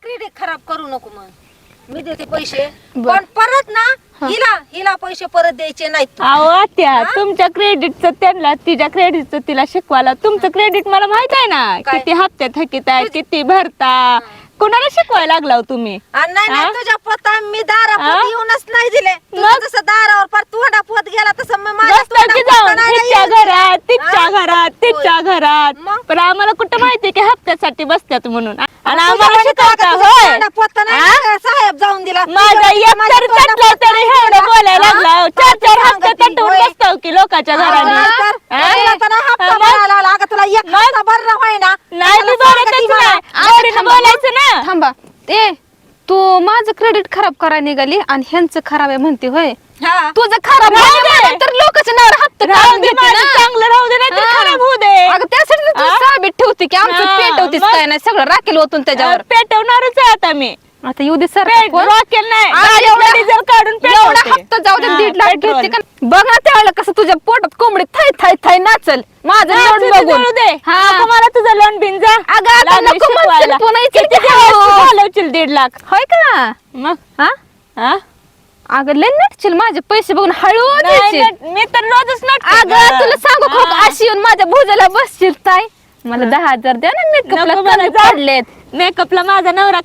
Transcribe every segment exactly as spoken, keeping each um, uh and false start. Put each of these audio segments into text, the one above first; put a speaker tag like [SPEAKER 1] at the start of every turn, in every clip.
[SPEAKER 1] credit खराब करू नको मग मी देते पैसे पण परत ना हिला हिला पैसे परत द्यायचे नाहीत
[SPEAKER 2] अहो आत्या तुमच्या क्रेडिटचं त्यांना तिच्या क्रेडिटचं तिला शिकवायला तुमचं क्रेडिट मला माहित आहे ना किती हप्ते थकीत आहे किती भरता कुणाला शिकवायला लागला तुम्ही
[SPEAKER 1] नाही नाही तुझ्या पत्ता मी दारापोत येऊनच नाही दिले तुझं जसं दारावर पर तोंडा पोत गेला तसं मी
[SPEAKER 2] तिच्या घरात तिच्या घरात तिच्या घरात पण आम्हाला कुठं माहिती की हप्त्यासाठी बसतात म्हणून आणि आम्हाला शिकवता होय
[SPEAKER 1] साहेब जाऊन दिला
[SPEAKER 2] माझा एक तर चटला तरी एवढं बोलायला लागला चार चार हप्ते तटवून बसतो की लोकांच्या घराने
[SPEAKER 1] तुला एक भरणं होय ना
[SPEAKER 2] नाही मी बोलतच नाही बोलायचं ना
[SPEAKER 3] थांबा ते तू माझं क्रेडिट खराब करायला निघाली आणि ह्यांचं खराब आहे म्हणते होय तुझं खराब तर लोकांच्या नावावर हप्ता काढून देते ना
[SPEAKER 2] चांगलं राहू दे नाही खराब होऊ दे
[SPEAKER 3] अगं त्यासाठी तू साबित ठेवते की आमचं पेटवतीस काय नाही सगळं राखेल ओतून त्याच्यावर
[SPEAKER 2] पेटवणारच आहे आता मी
[SPEAKER 3] आता येऊ दे सर
[SPEAKER 2] रॉकेल नाही डिझेल काढून
[SPEAKER 3] एवढा हप्ता जाऊ दे दीड लाख घेते का बघ ना त्यावेळेला कसं तुझ्या पोटात कोंबडी थाय थाय थाय नाचल माझं लोन बघून
[SPEAKER 2] दे मला तुझं लोन बिन जा घालवशील दीड लाख
[SPEAKER 3] होय का
[SPEAKER 2] मग हा हा
[SPEAKER 3] अगं लय नटशील माझे पैसे बघून हळू
[SPEAKER 2] मी तर रोजच नट
[SPEAKER 3] अगं तुला सांगू खो अशी येऊन माझ्या भुजाला बसशील ताई मला दहा हजार द्या ना मेकअपला काढलेत
[SPEAKER 2] मेकअपला माझा नवरा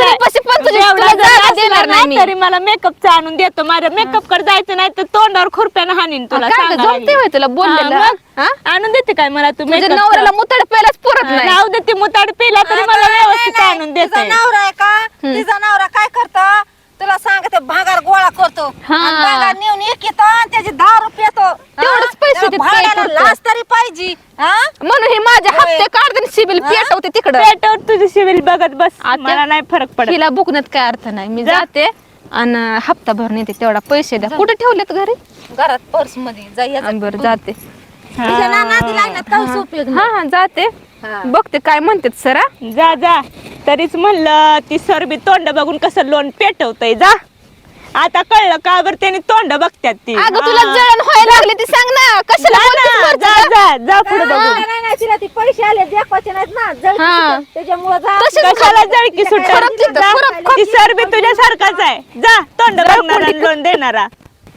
[SPEAKER 3] देणार नाही
[SPEAKER 2] तरी मला मेकअपचा आणून देतो माझ्या मेकअप कडे जायचं नाही तर तोंडावर खुरप्यानं हाणीन तुला
[SPEAKER 3] जमते तुला बोललेलं
[SPEAKER 2] आणून देते काय मला तुम्ही
[SPEAKER 3] नवऱ्याला मुताड प्यायलाच पुरत नाही
[SPEAKER 2] राहू दे ती मुताड पिला तरी मला व्यवस्थित आणून देते
[SPEAKER 1] नवरा आहे का तिचा नवरा काय करतो तुला सांगते भागार गोळा करतो भागार नेऊन एक येतो त्याचे दहा रुपये येतो
[SPEAKER 3] तेवढंच पैसे
[SPEAKER 1] भाड्याला लाच तरी पाहिजे
[SPEAKER 3] म्हणून हे माझे हप्ते काढते सिबिल पेटवते तिकडे
[SPEAKER 2] पेटवर तुझी सिबिल बघत बस मला नाही फरक पडत
[SPEAKER 3] हिला बुकण्यात काय अर्थ नाही मी जाते आणि हप्ता भरून येते तेवढा पैसे द्या कुठे ठेवलेत घरी
[SPEAKER 1] घरात पर्स मध्ये जाई
[SPEAKER 3] बरं जाते
[SPEAKER 1] उपयोग
[SPEAKER 3] हा हा जाते बघते काय म्हणतात सरा
[SPEAKER 2] जा जा तरीच म्हणलं ती सरबी तोंड बघून कसं लोन पेटवतय जा आता कळलं का बरं त्याने तोंड बघतात ती
[SPEAKER 3] अगं तुला जळण व्हायला लागले ती सांग ना कशाला
[SPEAKER 2] जा जा जा पुढे बघू
[SPEAKER 1] तिला ती पैसे आले दाखवायचे नाहीत ना त्याच्यामुळे
[SPEAKER 2] कशाला जळकी सुटत ती सरबी तुझ्यासारखाच आहे जा तोंड बघणारा लोन देणारा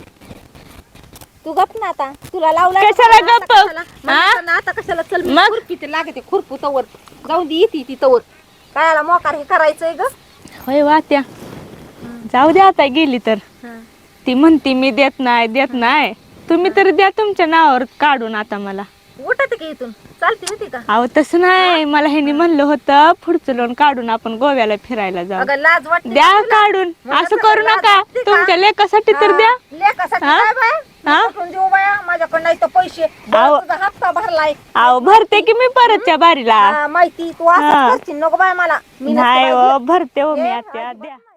[SPEAKER 1] तू गप ना आता तुला लावला
[SPEAKER 2] कशाला गप
[SPEAKER 1] आता कशाला चल खुरपी लागते खुरपू तवर जाऊन दे येते ती तवर कायला मोकार हे करायचंय ग
[SPEAKER 2] होय वात्या जाऊ दे आता गेली तर ती म्हणती मी देत नाही देत नाही तुम्ही तर द्या तुमच्या नावावर काढून आता मला
[SPEAKER 1] उठते की इथून चालते होती का
[SPEAKER 2] अहो तसं नाही मला ह्यांनी म्हणलं होतं पुढचं लोन काढून आपण गोव्याला फिरायला जाऊ
[SPEAKER 1] अगं लाज वाटते
[SPEAKER 2] द्या काढून असं करू नका तुमच्या लेकासाठी तर द्या
[SPEAKER 1] लेकासाठी काय बाय कुठून देऊ बाया माझ्याकडे नाही तर पैसे तुझा हप्ता भरलाय
[SPEAKER 2] अहो भरते की मी परतच्या बारीला
[SPEAKER 1] माहिती तू असं करशील नको बाय मला
[SPEAKER 2] नाही भरते हो मी आता द्या